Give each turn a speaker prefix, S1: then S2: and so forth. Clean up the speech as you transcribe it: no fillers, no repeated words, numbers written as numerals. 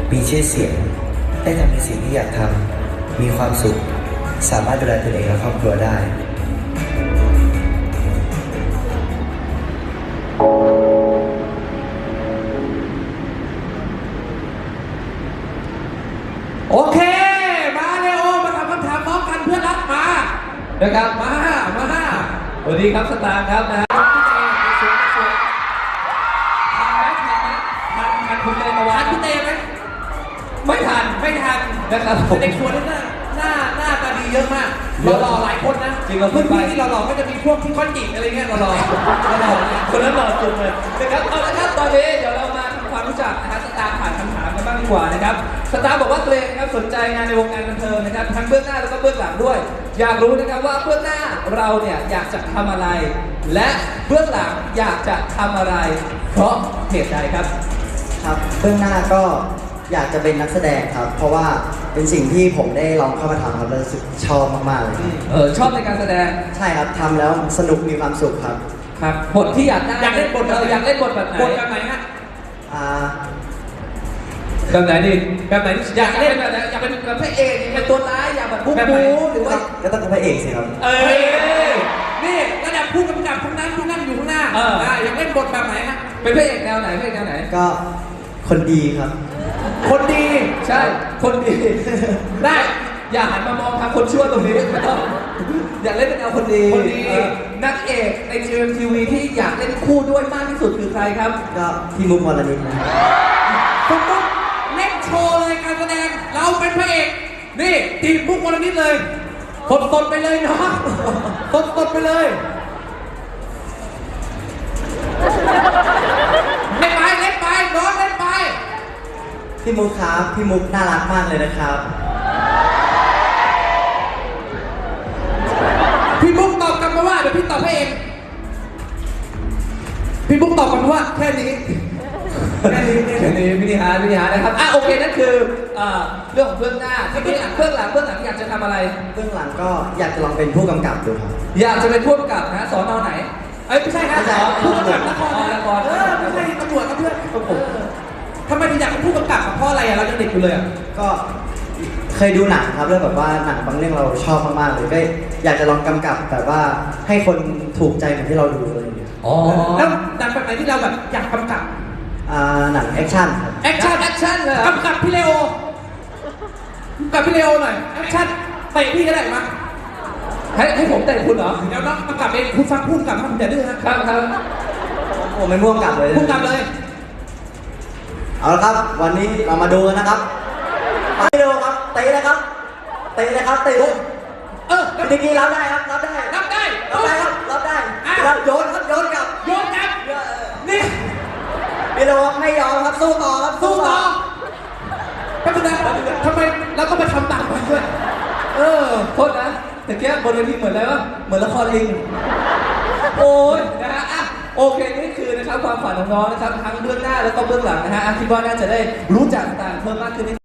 S1: มีชื่อเสียงได้ทำในสิ่งที่อยากทำมีความสุขสามารถดูแลตัวเองและครอบครัวได้
S2: โอเคมาเลโอมาทำคำถามพร้อมกันเพื่อนรักมานะครับมาสวัสดีครับสตาร์ครับนะทันคุณเตยตะวันทันคุณเตยไหมไม่ทันนะครับเด็กชวนนี่หน้าตาดีเยอะมากหล่อหลายคนนะจริงๆเพื่อนๆที่หล่อๆก็จะมีพวกที่ก้อนจิกอะไรเงี้ยหล่อคนนั้นหล่อสุดเลยนะครับเอาละครับตอนนี้เดี๋ยวเรามาทำความรู้จักนะฮะสตาร์ผ่านคำถามกันบ้างดีกว่านะครับสตาร์บอกว่าตัวเองนะครับสนใจงานในวงการบันเทิงนะครับทั้งเบื้องหน้าแล้วก็เบื้องหลังด้วยอยากรู้นะครับว่าเบื้องหน้าเราเนี่ยอยากจะทำอะไรและเบื้องหลังอยากจะทำอะไรเพราะเหตุใดครับ
S1: ครับเบื้องหน้าก็อยากจะเป็นนักแสดงครับเพราะว่าเป็นสิ่งที่ผมได้ลองเข้ามาทำครับแล้วรู้สึกชอบมากๆเลย
S2: ชอบในการแสดง
S1: ใช่ครับทำแล้วสนุกมีความสุขครับ
S2: ครับบทที่อยากเล่นบทอยากเล่นบทแบบไหนฮะแบบไหนดิแบบไหนอยากเล่นแบบไหนอยากเป็นพระเอกเป็นตัวร้ายอยากแบบบู๊หรือว่า
S1: ก็ต้องเป็นพระเอกสิครับ
S2: นี่ระดับผู้กำกับทั้งนั้นที่นั่งอยู่ข้างหน้าอยากเล่นบทแบบไหนฮะเป็นพระเอกแนวไหน
S1: ก็คนดีครับ
S2: คนดีใช่คนดีได้อย่าหันมามองทางคนชั่วตรงนี้ไม่ต้องอยากเล่นเป็นแนวคนดีนักเอกใน GMTV ที่อยากเล่นคู่ด้วยมากที่สุดคือใครครับ
S1: ก็พี่มุกวรณิตนะครับ
S2: คุณมุกเล่นโชว์เลยการแสดงเราเป็นพระเอกนี่ทีมมุกวรณิตเลยสดไปเลยเนาะสดไปเลยเล่นไปน้องเล่นไป
S1: พี่มุกครับพี่มุกน่ารักมากเลยนะครับ
S2: พี่มุกตอบกลับมาว่าเดี๋ยวพี่ตอบให้เองพี่มุกตอบกลับมาว่าแค่นี้วิธีหานะครับโอเคนั่นคือเรื่องของเบื้องหน้าที่เบื้องหลังอยากจะทำอะไร
S1: เบื้องหลังก็อยากจะลองเป็นผู้กำกับดูครับ
S2: อยากจะเป็นผู้กำกับนะสอนอไหนไม่ใช่ครับผู้กำกับละครไม่ใช่ตำรวจครับเพื่อนผมทำไมถึงอยากเป็นผู้กำกับเพราะอะไรเรายังเด็กอยู่เลย
S1: ก็เคยดูหนังครับแล้วแบบว่าหนังบางเรื่องเราชอบมากๆเลยก็อยากจะลองกำกับแบบว่าให้คนถูกใจเหมือนที่เราดูเลย
S2: แล้วหนังแบบไหนที่เราแบบอยากกำกับ
S1: หนังแอคชั่น
S2: แอคชั่นเลยกำกับพี่เลโอหน่อยแอคชั่นเตะพี่ก็ได้มาให้ผมเตะคุณเหรอเดี๋ยวน้องกำกับเองคุณฟังพูดกับมันอย่าดื้อครับ
S1: ผมไม่ม่วงกลับเลยเอาละครับวันนี้เรามาดูกันนะครับมาดูครับเตะเลยครับพี่นิกกี้รับได้ครับรับได้ครับโยนกลับ
S2: นี่
S1: พี่โรไม่ยอมครับสู้ต่อ
S2: ก็คือทำไมเราก็ไปทำตามมันด้วยโทษนะแต่แกบนเวทีเหมือนอะไรวะเหมือนละครลิงโอ้ยนะฮะโอเคนี่คือนะครับความฝันของน้องนะครับทั้งเบื้องหน้าแล้วก็เบื้องหลังนะฮะคิดว่าน่าจะได้รู้จักต่างเพิ่มมากขึ้น